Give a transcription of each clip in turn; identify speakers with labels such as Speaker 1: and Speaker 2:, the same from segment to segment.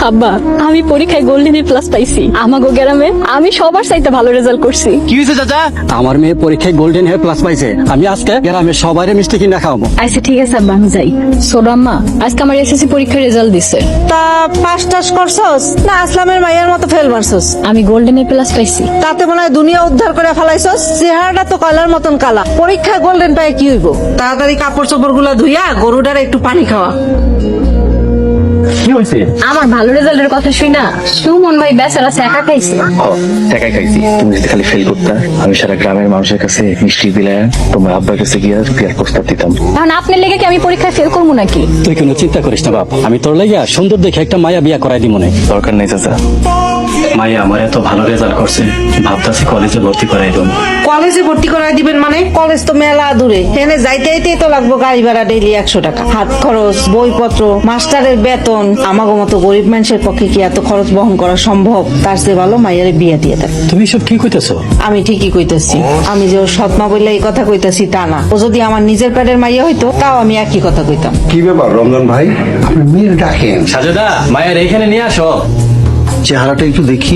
Speaker 1: আব্বা, আমি পরীক্ষায় গোল্ডেন এ প্লাস পাইছি। আমাগো গ্রামে আমি সবার চাইতে ভালো রেজাল্ট করছি।
Speaker 2: কি হয়েছে চাচা?
Speaker 3: আমার মেয়ে পরীক্ষায় গোল্ডেন হেয়ার প্লাস পাইছে। আমি আজকে গ্রামের সবারই মিষ্টি কিনা খাওয়াবো।
Speaker 1: আচ্ছা ঠিক আছে আব্বা, আমি যাই। ছোট আম্মা, আজকে আমার এসএসসি পরীক্ষার রেজাল্ট দিছে।
Speaker 4: তা পাস টাস করছস না আসলামের মাইয়ার মতো ফেল মারছস?
Speaker 1: আমি গোল্ডেন এ প্লাস পাইছি।
Speaker 4: তাতে মনে হয় দুনিয়া উদ্ধার করে ফেলাইছস। চেহারাটা তো কয়লার মতন কালা। পরীক্ষায় গোল্ডেন পায় কি হইব? তাড়াতাড়ি কাপড় চোপড় গুলা ধুইয়া গরুটার একটু পানি খাওয়া।
Speaker 2: কি হয়েছে?
Speaker 1: আমার ভালো রেজাল্টের কথা শুই না সুমন ভাই বেচারা একা খাইছে।
Speaker 5: টাকাই খাইছি। তুমি যদি খালি ফেল করতা, আমি সারা গ্রামের মানুষের কাছে মিষ্টি দিলে তোমার আব্বার কাছে গিয়ে বিয়ার প্রস্তাব দিতাম।
Speaker 1: এখন আপনার লেগে কি আমি পরীক্ষায় ফেল করবো নাকি?
Speaker 3: তুই কোনো চিন্তা করিস না বাপ, আমি তোর লাগিয়া সুন্দর দেখে একটা মায়া বিয়া করাই দিব মনে।
Speaker 5: দরকার নেই চাচা।
Speaker 3: মায়া আমার এত ভালো রেজাল্ট করছে, ভাবতাছি কলেজে ভর্তি করাই দেব।
Speaker 4: কলেজে ভর্তি করাই দিবেন মানে? কলেজ তো মেলা দূরে, এখানে যাইতে যাইতেই তো লাগবো গাড়ি ভাড়া ডেইলি 100 টাকা, হাত খরচ, বইপত্র, মাস্টারের বেতন। আমাগো মতো গরিব মানুষের পক্ষে কি এত খরচ বহন করা সম্ভব? তার চেয়ে ভালো মাইয়ারে বিয়ে দিয়ে দেন।
Speaker 3: তুমি সব কি কইতেছো?
Speaker 4: আমি ঠিকই কইতেছি। আমি যে ওর সৎমা বললে এই কথা কইতেছি তা না। ও যদি আমার নিজের পেটের মাইয়া হইতো তাও আমি একই কথা কইতাম।
Speaker 6: কি ব্যাপার রমজান ভাই, আপনি মেয়ের ডাকেন?
Speaker 3: সাজেদা, মায়ের এখানে নিয়ে আসো।
Speaker 6: চেহারাটা একটু দেখি।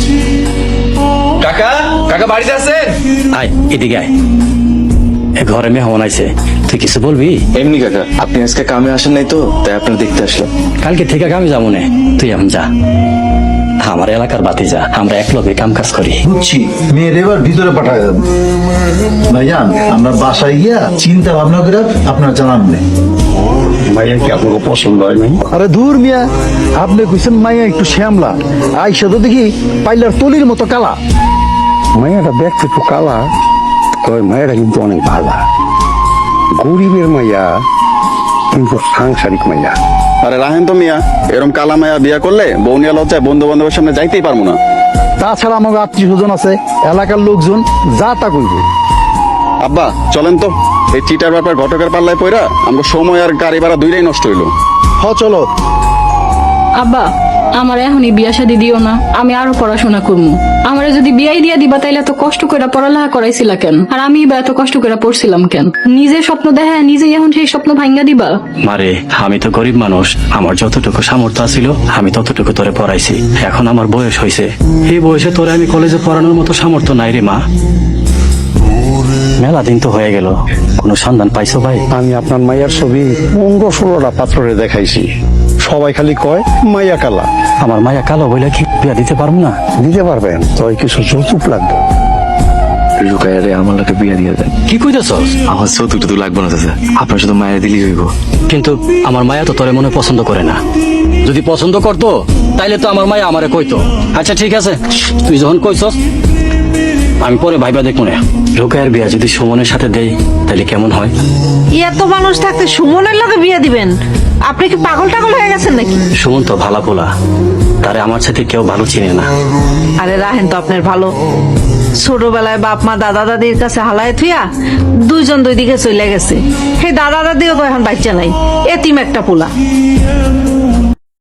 Speaker 2: কাকা, কাকা বাড়িতে আছেন?
Speaker 3: আয় এদিকে আয়। এ ঘরে মেহমান আইছে, তুই কিছু বলবি?
Speaker 5: এমনি কাকা, আপনি আজকে কামে আসেন নাই তো, তাই আপনার দেখতে আসলাম।
Speaker 3: কালকে থেকে আমি যাবো না, তুই এখন যা। আমার এলাকার বাতি যা, আমরা এক লগে কাম কাজ করি।
Speaker 6: বুঝছি, মেয়ের এবার ভিতরে পাঠায় দেব। ভাইজান, আমরা বাসায় গিয়া চিন্তা ভাবনা করে আপনার জানান নেই।
Speaker 3: ভাইয়া কি আপনাকে পছন্দ হয় নাই?
Speaker 6: আরে দূর মিয়া, আপনি কইছেন মাইয়া একটু শ্যামলা, আইসা তো দেখি পাইলার তলির মতো কালা।
Speaker 7: মায়াটা দেখতে একটু কালা, তবে মায়েরা কিন্তু অনেক ভালা। গরিবের মাইয়া কিন্তু সাংসারিক মাইয়া।
Speaker 8: আরে রাহেন তো মিয়া, এরকম কালা মায়া বিয়া করলে বৌনিয়া লজ্জায় বন্ধু বান্ধবের সামনে যাইতেই পারবো না।
Speaker 6: তাছাড়া আমাকে আত্মীয় স্বজন আছে, এলাকার লোকজন যা তা কইবে।
Speaker 8: আব্বা চলেন তো, এই চিটার ব্যাপার ঘটকের পাল্লায় পইরা আমাকে সময় আর গাড়ি ভাড়া দুইটাই নষ্ট হইলো।
Speaker 6: চলো।
Speaker 1: আব্বা, আমার এখনই বিয়া শাদী দিও না, আমি আরো পড়াশোনা করবো। আমারে যদি বিয়াই দিয়া দিবা তাইলে এত কষ্ট করে পড়ালেখা করাইছিলা কেন? আর আমি বা এত কষ্ট করে পড়ছিলাম কেন? নিজের স্বপ্ন দেখা নিজেই এখন সেই স্বপ্ন ভাঙ্গা দিবা?
Speaker 3: মারে, আমি তো গরিব মানুষ, আমার যতটুকু সামর্থ্য ছিল আমি ততটুকু তোরে পড়াইছি। এখন আমার বয়স হয়েছে, এই বয়সে তোরে আমি কলেজে পড়ানোর মতো সামর্থ্য নাই রে মা। মেলা দিন তো হয়ে গেল, কোনো সন্ধান পাইছো ভাই?
Speaker 7: আমি আপনার মাইয়ার ছবি 15-16টা পাত্রে দেখাইছি, সবাই খালি কয় মাইয়া কালা।
Speaker 3: আমার মায়া কালো বইলে কি বিয়া দিতে পারবো না?
Speaker 7: দিতে পারবেন, তবে কিছু যৌতুক লাগবে।
Speaker 5: লুকায়ারে আমার লোকে বিয়া দিয়ে দেন।
Speaker 3: কি কইতেছস?
Speaker 5: আমার চৌতুক তো লাগবে না চাচা, আপনার শুধু মায়ের দিলেই হইব।
Speaker 3: কিন্তু আমার মায়া তো তোরে মনে পছন্দ করে না। যদি পছন্দ করতো তাইলে তো আমার মায়া আমারে কইতো। আচ্ছা ঠিক আছে, তুই যখন কইছস আমি পরে ভাইবা দেখবো না। রোকায়ের বিয়া যদি সুমনের সাথে দেই তাহলে কেমন হয়?
Speaker 4: এত মানুষ থাকতে সুমনের লগে বিয়ে দিবেন? আপনি কি পাগল টাগল হয়ে গেছেন নাকি?
Speaker 3: সুমন তো ভালা পোলা, তারে আমার সাথে কেউ ভালো চিনে না।
Speaker 4: আরে রাহেন তো আপনার ভালো। ছোটবেলায় বাপ মা দাদা দাদির কাছে হালায় থুইয়া দুইজন দুই দিকে চলে গেছে। সেই দাদা দাদিও তো এখন বাচ্চা নাই, এতিম একটা পোলা।